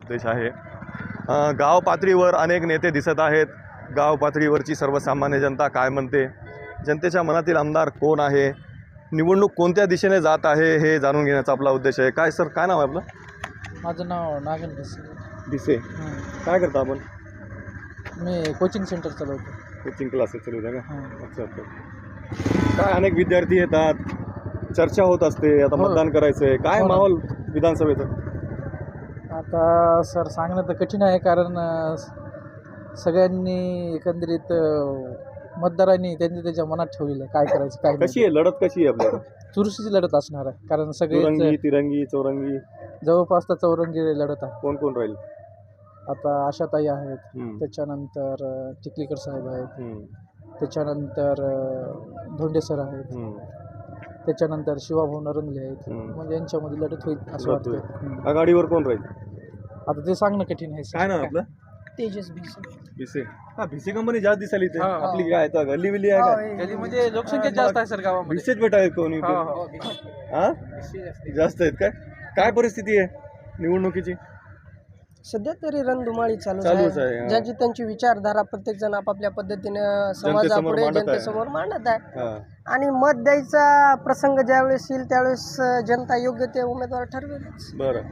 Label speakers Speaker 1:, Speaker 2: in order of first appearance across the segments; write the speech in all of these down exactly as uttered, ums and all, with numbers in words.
Speaker 1: उद्देश आहे. अ, गाव पातळीवर अनेक नेते दिसत आहेत. गाव पातळीवरची सर्वसामान्य जनता काय म्हणते, जनतेच्या मनातील आमदार कोण आहे, निवडणूक कोणत्या दिशेने जात आहे हे जाणून घेण्याचा आपला उद्देश आहे. काय सर, काय नाव आहे आपलं?
Speaker 2: माझं नाव नागन भिसे.
Speaker 1: दिसे. काय करता आपण?
Speaker 2: मी कोचिंग सेंटर चालवतो.
Speaker 1: कोचिंग क्लासेस चालू आहे का?
Speaker 2: हां.
Speaker 1: अच्छा अच्छा. काय अनेक विद्यार्थी येतात, चर्चा होत असते, आता
Speaker 2: हो.
Speaker 1: मतदान करायचं आहे, काय
Speaker 2: हो ना.
Speaker 1: माहोल विधानसभेचं?
Speaker 2: आता सर सांगणं तर कठीण आहे, कारण अ, सगळ्यांनी एकंदरीत अ, मतदारांनी त्यांच्या त्याच्या मनात ठेवलेलं आहे काय करायचं काय नाही.
Speaker 1: कशी आहे लढत, कशी आहे आपल्याला?
Speaker 2: चुरशीची लढत असणार आहे, कारण सगळे
Speaker 1: दुरंगी तिरंगी चौरंगी
Speaker 2: जवळपास तर चौरंगी लढत आहे.
Speaker 1: कोण कोण राहील?
Speaker 2: आता आशाताई आहेत,
Speaker 1: हम्म.
Speaker 2: त्याच्यानंतर अ, चिखलीकर साहेब आहेत,
Speaker 1: हम्म.
Speaker 2: त्याच्यानंतर अ, धोंडे सर आहेत,
Speaker 1: हम्म.
Speaker 2: त्याच्यानंतर शिवाभाऊ नरंगले आहेत.
Speaker 1: हम्म.
Speaker 2: म्हणजे यांच्यामध्ये लढत होईल असं
Speaker 1: लढत होईल.
Speaker 2: वाटतं. हम्म.
Speaker 1: आघाडीवर कोण राहील?
Speaker 2: आता ते सांगणं कठीण आहे.
Speaker 1: काय नाव आपलं?
Speaker 2: तेजस भिसे.
Speaker 1: भिसे. हा, भिसे कंपनी जास्त दिसायली इथे.
Speaker 2: हा.
Speaker 1: आपली काय आता गल्ली बिल्ली आहे का?
Speaker 2: गली म्हणजे लोकसंख्या जास्त आहे सर गावामध्ये.
Speaker 1: भिसेच भेटाय कोणी
Speaker 2: हा, हा.
Speaker 1: हा जास्त आहेत काय? काय परिस्थिती आहे निवडणुकीची?
Speaker 3: सध्या तरी रणधुमाळी चालूच
Speaker 1: चालूच आहे,
Speaker 3: आहे.
Speaker 1: हा.
Speaker 3: ज्यांची त्यांची विचारधारा प्रत्येक जण आपापल्या पद्धतीनं समाजापुढे
Speaker 1: मांडत आहे.
Speaker 3: जनतेसमोर मांडत आहे.
Speaker 1: हा.
Speaker 3: आणि मत द्यायचा प्रसंग ज्यावेळेस येईल त्यावेळेस जनता योग्य ते उमेदवार ठरवेलच.
Speaker 1: बरं.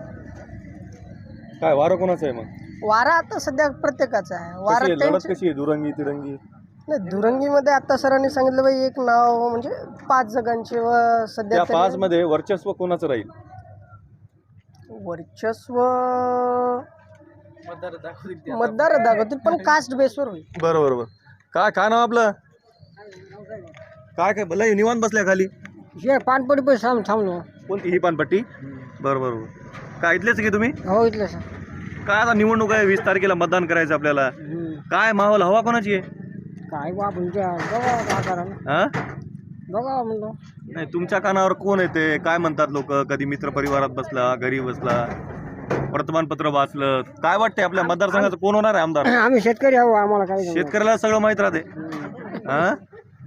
Speaker 1: काय वारं कोणाचं आहे मग?
Speaker 3: वारा आता सध्या प्रत्येकाचा आहे.
Speaker 1: कशी
Speaker 3: वारा
Speaker 1: आहे? लढत
Speaker 3: त्यांची
Speaker 1: कशी आहे? दुरंगी तिरंगी?
Speaker 3: नाही, दुरंगीमध्ये आता सरांनी सांगितलं बाई एक नाव म्हणजे पाच जगांचे व सध्या
Speaker 1: त्या
Speaker 3: तरी
Speaker 1: पाच मध्ये वर्चस्व कोणाचं राहील?
Speaker 3: वर्चस्व
Speaker 2: मतदार दाखवतील ते आता.
Speaker 3: मतदार दाखवतील, पण कास्ट बेसवर होईल.
Speaker 1: बरं बरं बरं. काय काय नाव आपलं? काय काय भला निवांत बसल्या खाली?
Speaker 3: हे पानपडी पण थांब थांबलो.
Speaker 1: कोणती ही पानपट्टी? बरं बरं बरं. काय इथलेच की तुम्ही?
Speaker 3: हो इथलं सर.
Speaker 1: काय आता निवडणूक आहे, वीस तारखेला मतदान करायचं आपल्याला. काय माहोल, हवा कोणाची आहे?
Speaker 3: काय बा तुमच्या बघा काय करा
Speaker 1: हा?
Speaker 3: बघा म्हणलो.
Speaker 1: नाही, तुमच्या कानावर कोण येते, काय म्हणतात लोक? कधी मित्र परिवारात बसला, घरी बसला, वर्तमानपत्र वाचलं, काय वाटतंय आपल्या मतदारसंघाचं कोण होणार आहे आमदार?
Speaker 3: आम्ही शेतकरी आहो, आम्हाला काय
Speaker 1: शेतकऱ्याला सगळं माहित राहते. हा?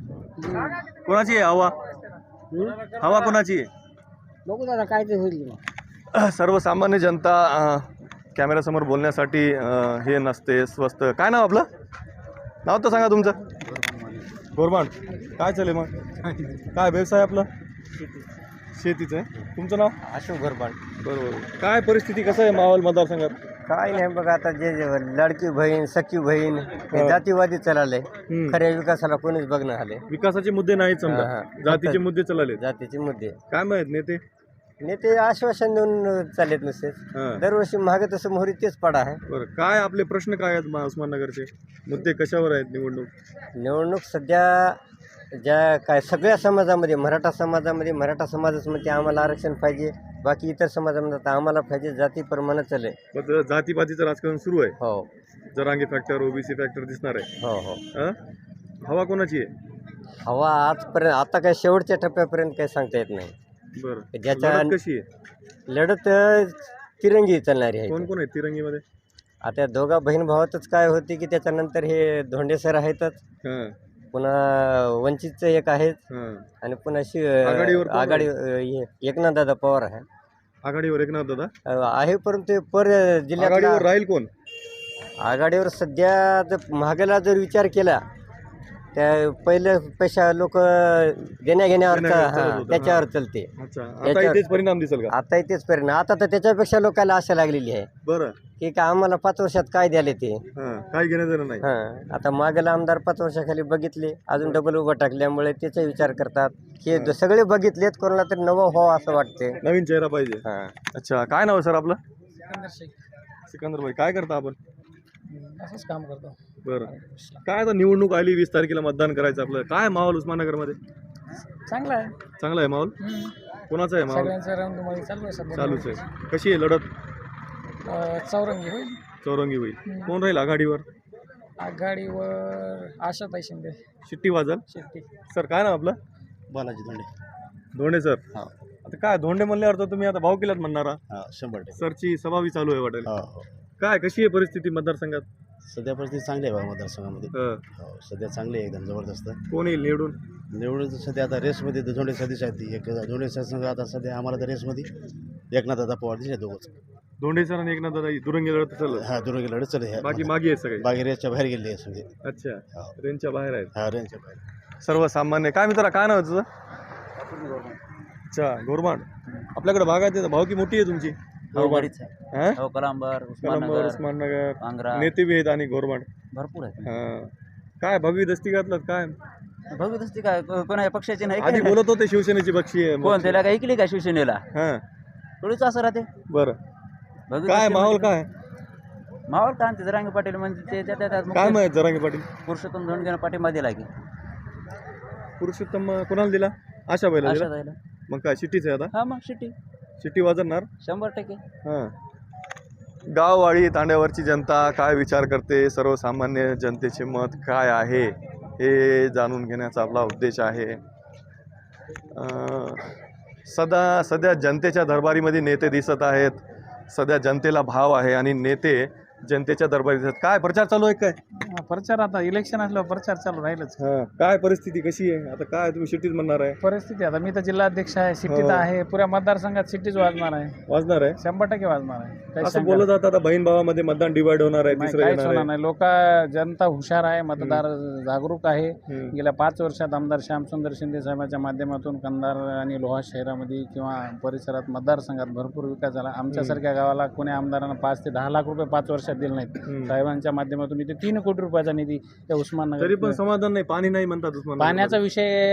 Speaker 1: कोणाची आहे हवा? हवा कोणाची आहे?
Speaker 3: बघू दादा काय ते होईल.
Speaker 1: सर्वसामान्य जनता अ, कॅमेऱ्यासमोर बोलण्यासाठी अ, हे नसते स्वस्त. काय नाव आपलं? नाव तर सांगा तुमचं. गोरबांड. काय चालेल मग? काय व्यवसाय आपला? शेतीचं आहे. तुमचं नाव?
Speaker 4: अशोक गरबाड.
Speaker 1: बरोबर. काय परिस्थिती, कसं आहे माहोल मतदारसंघात?
Speaker 4: काय नाही बघा, आता जे जे लडकी बहीण सखी बहीण हे जातीवादी चालले.
Speaker 1: हम्म.
Speaker 4: खऱ्या विकासाला कोणीच बघणं आले.
Speaker 1: विकासाचे मुद्दे नाहीत समजा,
Speaker 4: हा, हा.
Speaker 1: जातीचे मुद्दे चालले.
Speaker 4: जातीचे मुद्दे
Speaker 1: काय माहित नेते?
Speaker 4: नेते आश्वासन देऊन चाललेत नुसते.
Speaker 1: हा.
Speaker 4: दरवर्षी महाग तसं मोहरी तेच पडा आहे.
Speaker 1: बरं. काय आपले प्रश्न काय आहेत मा- उस्माननगरचे मुद्दे, कशावर आहेत निवडणूक?
Speaker 4: निवडणूक सध्या ज्या काय सगळ्या समाजामध्ये, मराठा समाजामध्ये मराठा समाजच म्हणते आम्हाला आरक्षण पाहिजे, बाकी इतर समाजामध्ये तर आम्हाला पाहिजे, जातीप्रमाणे चालले.
Speaker 1: मग जातीपातीचं राजकारण सुरू आहे.
Speaker 4: हो
Speaker 1: जरांगी फॅक्टर, ओबीसी फॅक्टर दिसणार आहे.
Speaker 4: हो हो.
Speaker 1: हा? हवा कोणाची आहे?
Speaker 4: हवा आजपर्यंत आता काय शेवटच्या टप्प्यापर्यंत काही सांगता येत नाही.
Speaker 1: बरं.
Speaker 4: ज्याच्या
Speaker 1: लढत कशी आहे?
Speaker 4: लढत अ, तिरंगी चालणारी आहे.
Speaker 1: कोण कोण आहे तिरंगीमध्ये?
Speaker 4: आता या दोघा बहीण भावातच काय होते की त्याच्यानंतर हे धोंडे सर आहेतच,
Speaker 1: हा.
Speaker 4: पुन्हा वंचितचं एक आहेत,
Speaker 1: हा.
Speaker 4: आणि पुन्हा शि
Speaker 1: आघाडीवर कोण
Speaker 4: आघाडी हे एकनाथदादा पवार आहे.
Speaker 1: आघाडीवर एकनाथ दादा
Speaker 4: अ, आहे परंतु पर जिल्ह्यात
Speaker 1: आघाडीवर राहील कोण?
Speaker 4: आघाडीवर सध्या जर महागाला जर विचार केला त्या पहिले पैसा लोक देण्या घेण्यावर
Speaker 1: देण्या-
Speaker 4: चा-
Speaker 1: चालत
Speaker 4: हा,
Speaker 1: होतं,
Speaker 4: त्याच्यावर
Speaker 1: हा.
Speaker 4: चालते.
Speaker 1: अच्छा, आता
Speaker 4: याच्यावर-
Speaker 1: इथेच परिणाम दिसेल का?
Speaker 4: आता तेच परिणाम. आता तर त्याच्यापेक्षा लोकांना आशा लागलेली आहे
Speaker 1: बरं.
Speaker 4: की का आम्हाला पाच वर्षात काय द्याले ते.
Speaker 1: हा. काही घेणं देणं नाही.
Speaker 4: हा, आता मागेला आमदार पाच वर्षाखाली बघितले, अजून डबल उभं टाकल्यामुळे त्याचा विचार करतात. हे द- सगळे बघितलेत, कोणाला तरी नवं हो असं वाटते.
Speaker 1: नवीन चेहरा पाहिजे.
Speaker 4: हा.
Speaker 1: अच्छा, काय नाव आहे सर आपलं?
Speaker 2: सिकंदर शेख.
Speaker 1: सिकंदर भाई. काय करता आपण?
Speaker 2: असंच काम करतो.
Speaker 1: बरं. काय आता निवडणूक आली, वीस तारखेला मतदान करायचं आपलं. काय माहोल उस्माननगरमध्ये?
Speaker 2: चांगला आहे.
Speaker 1: चांगला आहे माहोल? कोणाचा आहे माहोल?
Speaker 2: सगळ्यांचं रणधुमाळी चालू आहे सध्या.
Speaker 1: चालूच आहे. कशी आहे लढत?
Speaker 2: अ, चौरंगी होईल.
Speaker 1: चौरंगी होईल. कोण राहील आघाडीवर?
Speaker 2: आघाडीवर आशाताई शिंदे.
Speaker 1: शिट्टी वाजल.
Speaker 2: शेट्टी.
Speaker 1: सर काय नाव आपलं?
Speaker 5: बालाजी धोंडे.
Speaker 1: धोंडे सर.
Speaker 5: हा.
Speaker 1: आता काय धोंडे म्हणल्यावर तर तुम्ही आता भाऊ केलात म्हणणारा.
Speaker 5: हा, शंभर टक्के.
Speaker 1: सरची सभावी चालू आहे वाटेल.
Speaker 5: हो हो.
Speaker 1: काय, कशी आहे परिस्थिती मतदारसंघात?
Speaker 5: सध्या परिस्थिती चांगली आहे बा मतदारसंघामध्ये.
Speaker 1: हं.
Speaker 5: हो, सध्या चांगली आहे एकदम जबरदस्त.
Speaker 1: कोण येईल निवडून?
Speaker 5: निवडून सध्या आता रेसमध्ये धोंडे सदस्य आहेत. ती एक धोंडे संघ आता सध्या आम्हाला तर रेसमध्ये एकनाथ दादा पवार दिसले दोघंच.
Speaker 1: दोंडे सर आणि एकनाथ दादा दुरंगी लढत असेल.
Speaker 5: हा दुरून गेलं चल हे
Speaker 1: बाकी मागे आहेत सगळे.
Speaker 5: बाकी रेसच्या बाहेर गेले आहे सगळे.
Speaker 1: अच्छा,
Speaker 5: हो.
Speaker 1: रेंजच्या बाहेर आहेत
Speaker 5: हा रेंजच्या बाहेर.
Speaker 1: सर्वसामान्य. काय मित्रा, काय नाव आहे तुझं? अच्छा, गोरमाड. आपल्याकडे बागायत आहे, भावकी मोठी आहे तुमची.
Speaker 6: बरीच आहे.
Speaker 1: हा?
Speaker 6: हो, कलांबर,
Speaker 1: कलंबर,
Speaker 6: उस्माननगर,
Speaker 1: उस्माननगर,
Speaker 6: पांगरा
Speaker 1: नेते बी आहेत आणि गोरमाड.
Speaker 6: भरपूर आहे.
Speaker 1: हा. काय भगवी दस्ती घातलं काय?
Speaker 6: बघत असते काय को- कोणा पक्षाचे नाही
Speaker 1: आधी
Speaker 6: काय
Speaker 1: बोलत होते शिवसेनेची बक्षी आहे.
Speaker 6: कोण त्याला काय ऐकली का शिवसेनेला
Speaker 1: हा,
Speaker 6: थोडीच असं राहते.
Speaker 1: बरं.
Speaker 6: भगत
Speaker 1: काय
Speaker 6: असते
Speaker 1: माहोल
Speaker 6: म्हणजे-
Speaker 1: काय
Speaker 6: माहोल काय ते जरांगे पाटील म्हणजे ते त्या- त्या- त्यात
Speaker 1: काय
Speaker 6: मुख्य
Speaker 1: माहित जरांगे पाटील?
Speaker 6: पुरुषोत्तम धोंडगे पाठिंबा दिला की
Speaker 1: पुरुषोत्तम कोणाला दिला? आशा बैला
Speaker 6: अशा
Speaker 1: दिला.
Speaker 6: जायला.
Speaker 1: मग काय शिट्टीच आहे आता?
Speaker 6: हा मग शिट्टी
Speaker 1: शिट्टी वाजवणार.
Speaker 6: शंभर टक्के.
Speaker 1: हा. गाववाडी तांड्यावरची जनता काय विचार करते, सर्वसामान्य जनतेचे मत काय आहे हे जाणून घेण्याचा आपला उद्देश आहे. अं, सदा सध्या जनतेच्या दरबारीमध्ये नेते दिसत आहेत. सध्या जनतेला भाव आहे आणि नेते जनतेच्या दरबारी दिसत. काय प्रचार चालू आहे काय?
Speaker 2: हा, प्रचार आता इलेक्शन असल्यावर प्रचार चालू राहीलच.
Speaker 1: हा. काय परिस्थिती कशी आहे आता? काय तुम्ही शिट्टीच म्हणणार आहे?
Speaker 2: परिस्थिती आता मी तर जिल्हाध्यक्ष आहे, सिटीत
Speaker 1: हो.
Speaker 2: आहे, पुऱ्या मतदारसंघात सिटीच वाजणार आहे,
Speaker 1: वाजणार आहे
Speaker 2: शंभर टक्के वाजणार आहे. काही
Speaker 1: असं
Speaker 2: शंका
Speaker 1: बोललं जातं. आता बहीण भावामध्ये मतदान डिवाइड होणार आहे,
Speaker 2: नाही,
Speaker 1: तिसरं
Speaker 2: काहीच
Speaker 1: येणार
Speaker 2: होणार
Speaker 1: आहे.
Speaker 2: नाही. लोक जनता हुशार आहे, मतदार जागरूक आहे.
Speaker 1: हम्म.
Speaker 2: गेल्या पाच वर्षात आमदार श्यामसुंदर शिंदे साहेबांच्या माध्यमातून कंधार आणि लोहा शहरामध्ये किंवा परिसरात मतदारसंघात भरपूर विकास झाला. आमच्यासारख्या गावाला कोणी आमदारांना पाच ते दहा लाख रुपये पाच वर्षात दिले नाहीत.
Speaker 1: हम्म.
Speaker 2: साहेबांच्या माध्यमातून इथे तीन कोटी रुपयाचा निधी त्या उस्माननगर.
Speaker 1: तरी पण समाधान नाही, पाणी नाही म्हणतात उस्मानाबाद.
Speaker 2: पाण्याचा विषय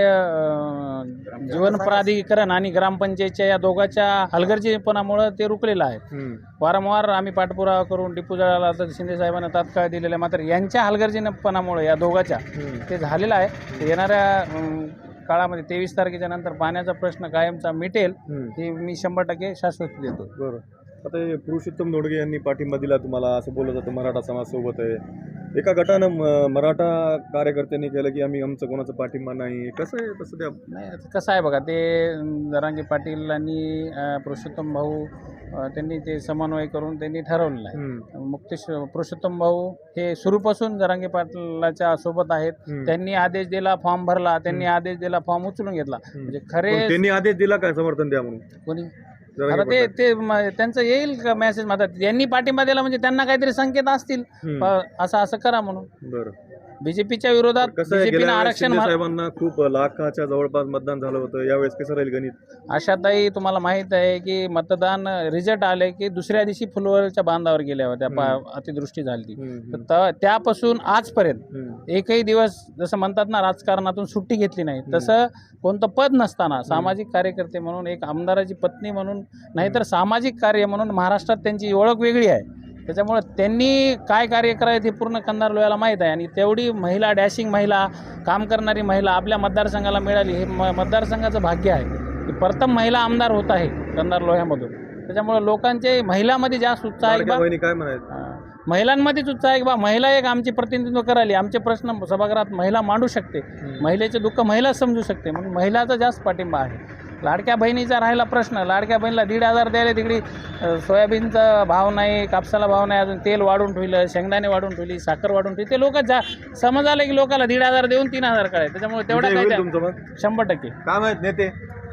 Speaker 2: अं, जीवन प्राधिकरण आणि ग्रामपंचायतच्या या दोघांच्या हलगर्जीपणामुळे ते रुकलेलं आहे.
Speaker 1: हम्म.
Speaker 2: वारंवार आम्ही पाठपुरावा करून टिपू जळाला तर शिंदे साहेबांना तात्काळ दिलेलं आहे. मात्र यांच्या हलगर्जीपणामुळे या दोघांच्या
Speaker 1: हम्म.
Speaker 2: ते झालेलं आहे. ते येणाऱ्या अं, काळामध्ये तेवीस तारखेच्या नंतर पाण्याचा प्रश्न कायमचा मिटेल
Speaker 1: हम्म.
Speaker 2: हे मी शंभर टक्के शाश्वती देतो.
Speaker 1: बरं. आता हे पुरुषोत्तम धोंडगे यांनी पाठिंबा दिला तुम्हाला असं बोललं जातं मराठा समाज सोबत आहे. एका गटानं म- मराठा कार्यकर्त्यांनी केलं की आम्ही आमचं कोणाचा पाठिंबा नाही. कसं आहे तसं त्या?
Speaker 2: नाही आता कसं आहे बघा, ते अं, जरांगे पाटील आणि अं, पुरुषोत्तम भाऊ अं, त्यांनी ते समन्वय करून त्यांनी ठरवलेलं आहे.
Speaker 1: हम्म.
Speaker 2: मुक्तेश पुरुषोत्तम भाऊ हे सुरूपासून जरांगे पाटलाच्या सोबत आहेत.
Speaker 1: हम्म.
Speaker 2: त्यांनी आदेश दिला, फॉर्म भरला, त्यांनी आदेश दिला, फॉर्म उचलून घेतला. म्हणजे खरे
Speaker 1: पण त्यांनी आदेश दिला काय समर्थन द्या म्हणून?
Speaker 2: कोणी
Speaker 1: जरांगे
Speaker 2: आता ते
Speaker 1: पाटील.
Speaker 2: ते म- त्यांचं येईल का मेसेज माझा, यांनी पाठिंबा दिला म्हणजे त्यांना काहीतरी संकेत असतील
Speaker 1: हम्म.
Speaker 2: प- असं असं करा म्हणून.
Speaker 1: बरं.
Speaker 2: बीजेपीच्या विरोधात
Speaker 1: कसं आहे,
Speaker 2: बीजेपीनं
Speaker 1: गेल्या वेळेस
Speaker 2: आरक्षण
Speaker 1: शिंदे
Speaker 2: मा-
Speaker 1: साहेबांना खूप लाखाच्या जवळपास मतदान झालं होतं. यावेळेस कसं राहील गणित?
Speaker 2: आशाताई तुम्हाला माहीत आहे की मतदान रिझल्ट आले की दुसऱ्या दिवशी फुलवरच्या बांधावर गेल्या होत्या. पा- अतिदृष्टी झाली ती.
Speaker 1: हम्म.
Speaker 2: तर त- त्यापासून आजपर्यंत
Speaker 1: हम्म.
Speaker 2: एकही दिवस जसं म्हणतात ना राजकारणातून सुट्टी घेतली नाही, तसं कोणतं पद नसताना सामाजिक कार्यकर्ते म्हणून, एक आमदाराची पत्नी म्हणून, नाहीतर सामाजिक कार्य म्हणून महाराष्ट्रात त्यांची ओळख वेगळी आहे. त्याच्यामुळं त्यांनी काय कार्य करायचं हे पूर्ण कंधार लोह्याला माहीत आहे. आणि तेवढी महिला, डॅशिंग महिला, काम करणारी महिला आपल्या मतदारसंघाला मिळाली हे म मतदारसंघाचं भाग्य आहे की प्रथम महिला आमदार होत आहे कंधार लोह्यामधून. त्याच्यामुळं लोकांचे महिलामध्ये जास्त उत्साह आहे की
Speaker 1: लाडक्या
Speaker 2: बा
Speaker 1: बहिणी काय म्हणायचं?
Speaker 2: हां, महिलांमध्येच उत्साह आहे की बा महिला एक आमचे प्रतिनिधित्व करायली, आमचे प्रश्न सभागृहात महिला मांडू शकते, महिलेचे दुःख महिला समजू शकते, म्हणून महिलाचा जास्त पाठिंबा आहे. लाडक्या बहिणीचा राहिला प्रश्न, लाडक्या बहिणीला दीड हजार द्यायला तिकडे अ, सोयाबीनचा भाव नाही, कापसाला भाव नाही, अजून तेल वाढून ठेवलं, शेंगदाणे वाढून ठेवली, साखर वाढून ठेवली. ते लोक जा समज आलं की लोकांना दीड हजार देऊन तीन हजार करायचे. त्याच्यामुळे तेवढा
Speaker 1: विजय
Speaker 2: काय
Speaker 1: होईल
Speaker 2: त्या-
Speaker 1: तुमचं मत?
Speaker 2: शंभर टक्के.
Speaker 1: काय माहित नेते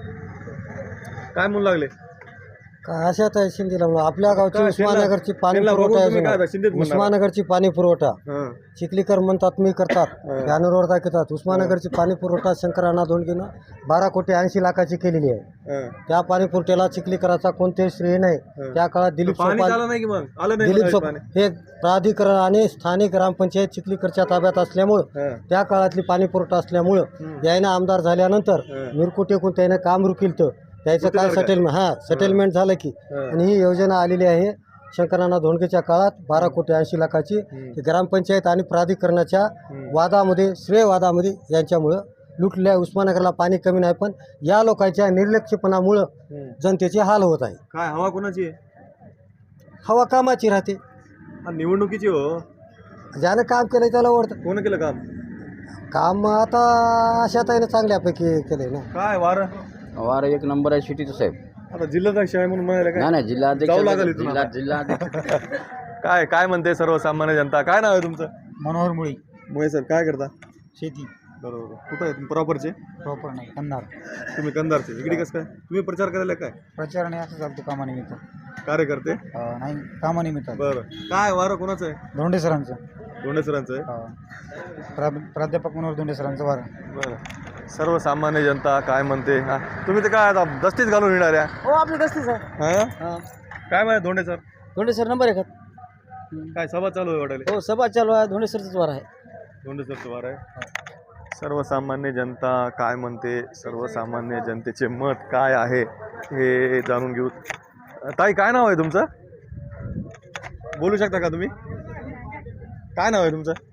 Speaker 1: काय म्हणू लागले?
Speaker 7: काय अशात आहे शिंदेला म्हणून आपल्या गावची
Speaker 1: काय
Speaker 7: उस्मानगरची पाणी
Speaker 1: त्यांना बघून
Speaker 7: पुरवठा
Speaker 1: तुम्ही काय
Speaker 7: योजना,
Speaker 1: आता शिंदेच म्हणणार?
Speaker 7: उस्मानगरची पाणी पुरवठा
Speaker 1: हां.
Speaker 7: चिखलीकर म्हणतात मी करतात बॅनरवर दाखवतात. उस्मानगरची पाणी पुरवठा शंकरांना धोंडगेनं बारा कोटी ऐंशी लाखाची केलेली आहे.
Speaker 1: हां.
Speaker 7: त्या पाणी पुरवठ्याला चिखलीकराचा कोणतेही श्रेय नाही. त्या काळात दिलीप
Speaker 1: पाणी
Speaker 7: सोपाल
Speaker 1: झालं नाही की मग आलं नाही
Speaker 7: दिलीप
Speaker 1: म्हणाले
Speaker 7: सोप
Speaker 1: पाणी.
Speaker 7: हे प्राधिकरण आणि स्थानिक ग्रामपंचायत चिखलीकरच्या ताब्यात असल्यामुळं,
Speaker 1: हां.
Speaker 7: त्या काळातली पाणी पुरवठा असल्यामुळं यायनं आमदार झाल्यानंतर
Speaker 1: हं.
Speaker 7: मिरकू टेकून त्यानं काम रुकील तर त्याचं काय
Speaker 1: रुकीलं काय?
Speaker 7: सेटलमेंट हां सेटलमेंट झालं की.
Speaker 1: हं.
Speaker 7: आणि ही योजना आलेली आहे शंकरांना धोंडगेच्या काळात बारा कोटी ऐंशी लाखाची. ती ग्रामपंचायत आणि प्राधिकरणाच्या वादामध्ये, श्रेय वादामध्ये यांच्यामुळं लुटल्या. उस्मानगरला पाणी कमी नाही, पण या लोकांच्या निर्लक्षपणामुळं
Speaker 1: हं.
Speaker 7: जनतेचे हाल होत आहे.
Speaker 1: काय हवा कोणाची आहे?
Speaker 7: हवा कामाची राहते.
Speaker 1: हा, निवडणुकीची हो.
Speaker 7: ज्यानं काम केलं त्याला ओढतं.
Speaker 1: कोण केलं काम?
Speaker 7: काम आता अशा ताईनं चांगल्यापैकी केलंय ना.
Speaker 1: काय वार?
Speaker 6: वार एक नंबर आहे सिटीचं साहेब.
Speaker 1: आता जिल्हाध्यक्ष आहे म्हणून म्हणाले काय?
Speaker 6: नाही नाही जिल्हाध्यक्ष
Speaker 1: जाऊ लागेल इथून
Speaker 6: जिल्हा
Speaker 1: आता.
Speaker 6: जिल्हाध्यक्ष
Speaker 1: काय काय म्हणते सर्वसामान्य जनता? काय नाव आहे तुमचं?
Speaker 2: मनोहर मुळी,
Speaker 1: मुळे सर काय करता?
Speaker 2: शेती.
Speaker 1: बरोबर. कुठं आहे तुम्ही प्रॉपरचे?
Speaker 7: प्रॉपर नाही कंधार
Speaker 1: तुम्ही कंधारचे. इकडे कसं काय तुम्ही प्रचार करायला काय
Speaker 7: प्रचार नाही असं चालतो कामानिमित्त
Speaker 1: कार्यकर्ते?
Speaker 7: नाही कामानिमित्त
Speaker 1: बरं. काय वारं कोणाचं आहे?
Speaker 7: धोंडे सरांचं
Speaker 1: दोंडे सरांचं आहे.
Speaker 7: प्रा प्राध्यापक मनोहर धोंडे सरांचं वार
Speaker 1: बरं. सर्वसामान्य जनता काय म्हणते? हा तुम्ही तर काय आता दस्तीच घालून येणाऱ्या?
Speaker 3: हो आपली दस्तीच आहे.
Speaker 1: हां काय माहिती Dhonde sir?
Speaker 3: Dhonde sir number एक
Speaker 1: काय सभा चालू आहे वाटायला?
Speaker 3: हो सभा चालू आहे. धोंडे सरच वार आहे.
Speaker 1: धोंडे सरचं वार आहे. सर्वसामान्य जनता काय म्हणते? सर्वसामान्य जनतेचे मत काय आहे हे जाणून घेऊ. ताई काय नाव आहे तुमचं? बोलू शकता का तुम्ही? काय नाव आहे तुमचं?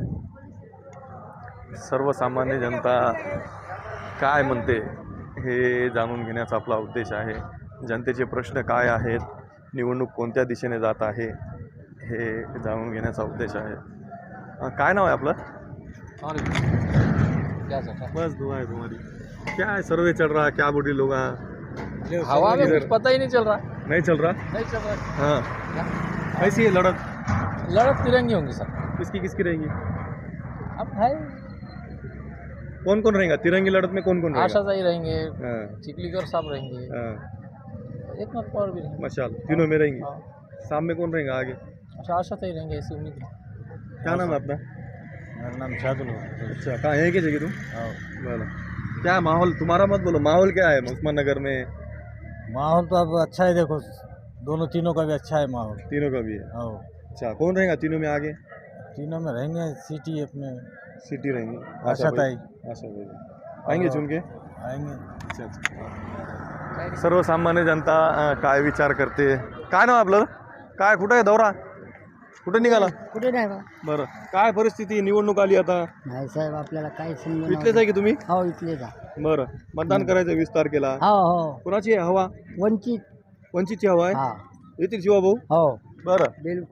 Speaker 1: सर्वसामान्य जनता काय म्हणते हे जाणून घेण्याचा आपला उद्देश आहे. जनतेचे प्रश्न काय आहेत, निवडणूक कोणत्या दिशेने जात आहे हे जाणून घेण्याचा उद्देश आहे. अं, काय नाव आहे आपलं? बस दुआ है तुम्हारी. क्या है सर्वे चल रहा है? क्या बोल रही लोग?
Speaker 2: हवा में कुछ पता ही नहीं चल रहा.
Speaker 1: नहीं चल रहा.
Speaker 2: नहीं चल रहा.
Speaker 1: हाँ कैसी है लड़त?
Speaker 2: लड़त तिरंगी होंगी सर.
Speaker 1: किसकी किसकी रहेगी?
Speaker 2: अब है
Speaker 1: कौन कौन रहेगा तिरंगी लड़त में? कौन कौन रहेगा?
Speaker 2: आशाताई रहेंगे,
Speaker 1: हाँ,
Speaker 2: चिखलीकर साहब रहेंगे,
Speaker 1: हाँ,
Speaker 2: एकनाथ पवार भी रहेंगे.
Speaker 1: माशाल्लाह तीनों में रहेंगी.
Speaker 2: हाँ.
Speaker 1: शाम में कौन रहेगा आगे?
Speaker 2: अच्छा आशाताई रहेंगे ऐसी उम्मीद है.
Speaker 1: क्या नाम है अपना?
Speaker 7: मेरा नाम शादुल
Speaker 1: अच्छा कहाँ है क्या तुम? बोलो क्या माहौल तुम्हारा मत बोलो. माहौल क्या है उस्माननगर में?
Speaker 7: माहौल तो अब अच्छा है. देखो दोनों तीनों का भी अच्छा है माहौल.
Speaker 1: तीनों का भी है.
Speaker 7: हाँ
Speaker 1: अच्छा कौन रहेगा तीनों में आगे?
Speaker 7: तीनों में रहेंगे सिटी अपने
Speaker 1: सिटी रहेंगी.
Speaker 7: आशाताई
Speaker 1: आशा भाई आएंगे चुन के.
Speaker 7: आएंगे.
Speaker 1: अच्छा अच्छा. सर्वसामान्य जनता अं, काय विचार करते? काय नाव आपलं? काय कुठं आहे दौरा? कुठे निघाला?
Speaker 3: कुठे नाही बा.
Speaker 1: बरं काय परिस्थिती? निवडणूक आली आता.
Speaker 3: नाही साहेब आपल्याला काही समजून
Speaker 1: इथलेच आहे की तुम्ही?
Speaker 3: हो इथले जा.
Speaker 1: बरं मतदान करायचं वीस तारखेला.
Speaker 3: हो हो
Speaker 1: कोणाची आहे हवा?
Speaker 3: वंचित.
Speaker 1: वंचितची हवा आहे.
Speaker 3: हा
Speaker 1: येतील शिवाभाऊ.
Speaker 3: हो
Speaker 1: बरं
Speaker 3: बिलकुल.